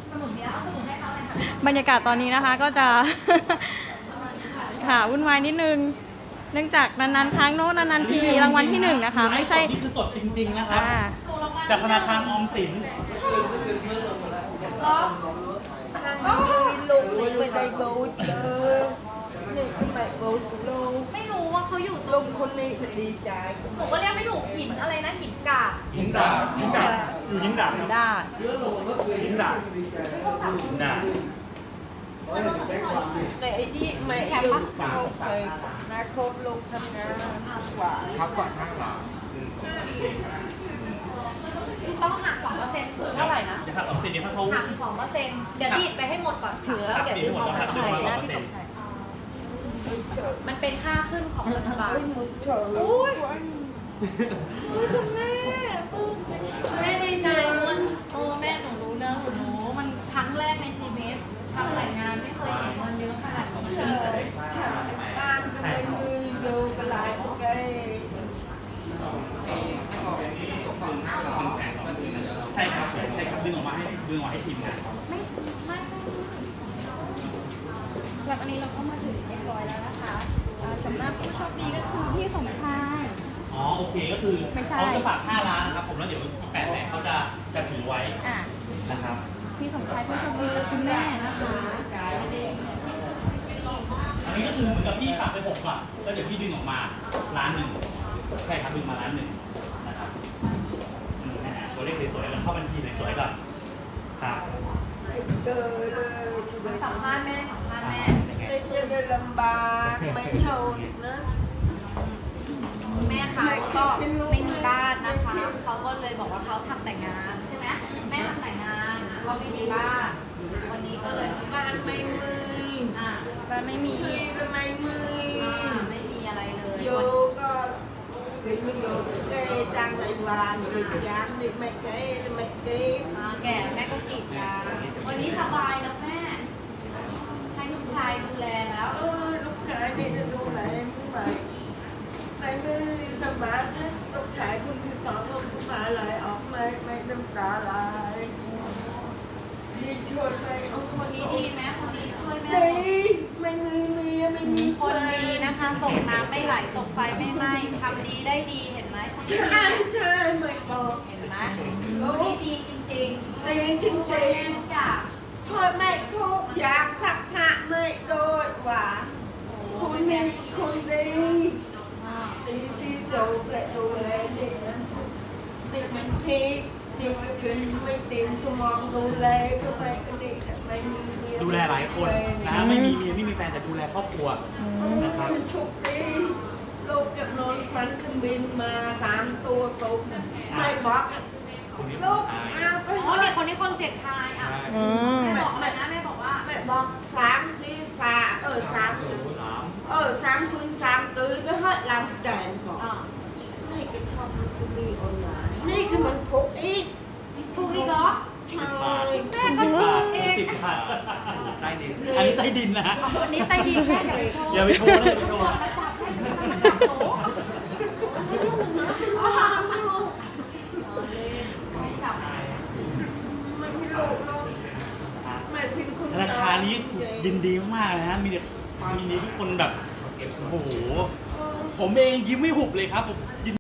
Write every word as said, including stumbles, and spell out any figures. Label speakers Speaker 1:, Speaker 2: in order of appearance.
Speaker 1: บรรยากาศตอนนี้นะคะก็จะ ค่ะวุ่นวายนิดนึงเนื่องจากนานๆครั้งโน้นนานๆทีรางวัลที่หนึ่งนะคะไม่ใช่
Speaker 2: นี่คือสดจริงๆนะครับจากธนาคารออมสิน
Speaker 3: ลงไม่ได้โบ๊ทเออนี่ทำไมโบ๊ทลง
Speaker 4: ไม่รู้ว่าเขาอยู่
Speaker 3: ลงคนนี้ดีใจ
Speaker 4: ผมก็เรียกไม่ถูกหินอะไรนะหินกาบ
Speaker 2: หินดาบหินดาบอยู่หินดาบหินดาบหินดาบหินดาบ
Speaker 3: ในไอ้ที่ไม่ลงลงใส่นาคมลงทำงานกว่า
Speaker 2: ครับก่อนข้างหลัง
Speaker 4: ต้องหักสองเปอร์เซ็นต์คือเท่าไหร่นะ
Speaker 2: จะหักสองเปอร์เซ็นต์เนี่ยถ้าเขา
Speaker 4: หักสองเปอร์เซ็นต์เดี๋ยวดีดไปให้หมดก่อนถือแล้วเดี๋ยวดีดเอาไปใส่หน้าที่สมชายมันเป็นค่าขึ้นของรัฐบาลโอ้ยคุณแม่แม่ดีใจมันโอ้แม่หนูรู้เรื่องหนูมันครั้งแรกในชีวิตทำแต่งงานไม่เคยเห็นเงินเยอะขนาดนี้
Speaker 3: บ้านทำไมมือโยกลายโอเค
Speaker 2: ใช่ครับใช่ครับดึงออกมาให้ดึงออกมาให้ทีมงาน
Speaker 1: ไม่ไม่แล้วตอนนี้เราก็มาถึงเรียบร้อยแล้วนะคะชมหน้าผู้โชคดีก็คือพี่สมชาย
Speaker 2: อ๋อโอเคก็คือเขาจะฝากห้าล้านนะครับผมแล้วเดี๋ยวแปดแสนเขาจะจะถือไว้นะครับ
Speaker 1: พี่สมชายผู้โชคดีคุณแม่นะคะ
Speaker 2: อันนี้ก็คือเหมือนกับพี่ฝากไปหกก่อนก็เดี๋ยวพี่ดึงออกมาล้านหนึ่งใช่ครับดึงมาล้านหนึ่งนะครับตัวเลขสวยๆแล้วเข้าบัญชีสวยๆก่อนครับ
Speaker 3: เจอเลย
Speaker 4: สัมภาษณ์แม่สัมภาษณ์แม่
Speaker 3: ไม่เจอลำบากไม่โชว์นะ
Speaker 4: แม่เขาก็ไม่มีบ้านนะคะเขาก็เลยบอกว่าเขาทำแต่งงานใช่ไหมแม่ทำแต่งงานก็ไม่มีบ้านวันนี้ก็เลย
Speaker 3: บ้านไม่มือ
Speaker 4: อ่า
Speaker 1: บ้านไม่มี
Speaker 3: ทำไมมือ
Speaker 4: ไม่มีอะไรเลย
Speaker 3: โยก็เป็นไม่โยได้จ้างในวานหรือยางนี่ไม่เก๋ไม่เก๋
Speaker 4: แก่แม่ก็กีดกันวันนี้สบายแล้วแม่ให้ลูกชายดูแลแล้ว
Speaker 3: เออลูกชายนี่จะดูแลผู้ใหม่ในมือสมาร์ทลูกชายคนที่สองลงผู้มาไหลออกไม่ไม่น้ำตาไหลมีชวนไป
Speaker 4: คนนี้ดีไหมคนนี้ช่วยแม่
Speaker 3: ดีไม่มีเมียไม่มี
Speaker 4: คนดีนะคะตกน้ำไม่ไหลตกไฟไม่ไหม้ทำดีได้ดีเห็นไหม
Speaker 3: ใช่ใช่ไม่บอก
Speaker 4: เห็นไหมนี่ดีจริงๆ
Speaker 3: แต่ยังจริงจริงทอดไม่ทุกอย่างสักผ้าไม่โดยว่าคุณเป็นคนดีดีที่สุดและดูแลเด็กนั้นเด็กมันพีกเด็กมันเป็นไม่เต็มสมองดูแลก็ไม่ก็เด็กไม่มีเมีย
Speaker 2: ดูแลหลายคนนะไม่มีเมียไม่มีแฟนแต่ดูแลครอบครัวนะครับ
Speaker 3: โชคดีลูกกับนอนฟันขมินมาสามตัวสุกไม่บอกลูกเอาไป
Speaker 4: อ๋อเนี่ยคนนี้คนเสียงทายอ่ะแม่บอกอะไรนะแม่บอกว่า
Speaker 3: แม่บอกสามสี่สาเออสามเออสามศูนย์สามตื้อไปฮอดลำแดงบอกนี่ก็ชอบมันก็มีออนไลน์นี่ก็มันถูกอีก
Speaker 4: ถูกอีกเหรอ
Speaker 3: ใช่
Speaker 4: แม่ก็ถูกเอง
Speaker 2: ใต้ดินอันนี้ใต้ดินนะ
Speaker 4: อันนี้ใต้ดินแม่
Speaker 2: อย่าไปโชว์อย่าไปโชว์
Speaker 4: มาจับให้มาจับโต๊ะ
Speaker 2: ราคานี้ยินดีมากเลยนะมีแต่ความยินดีทุกคนแบบโอ้โหผมเองยิ้มไม่หุบเลยครับผม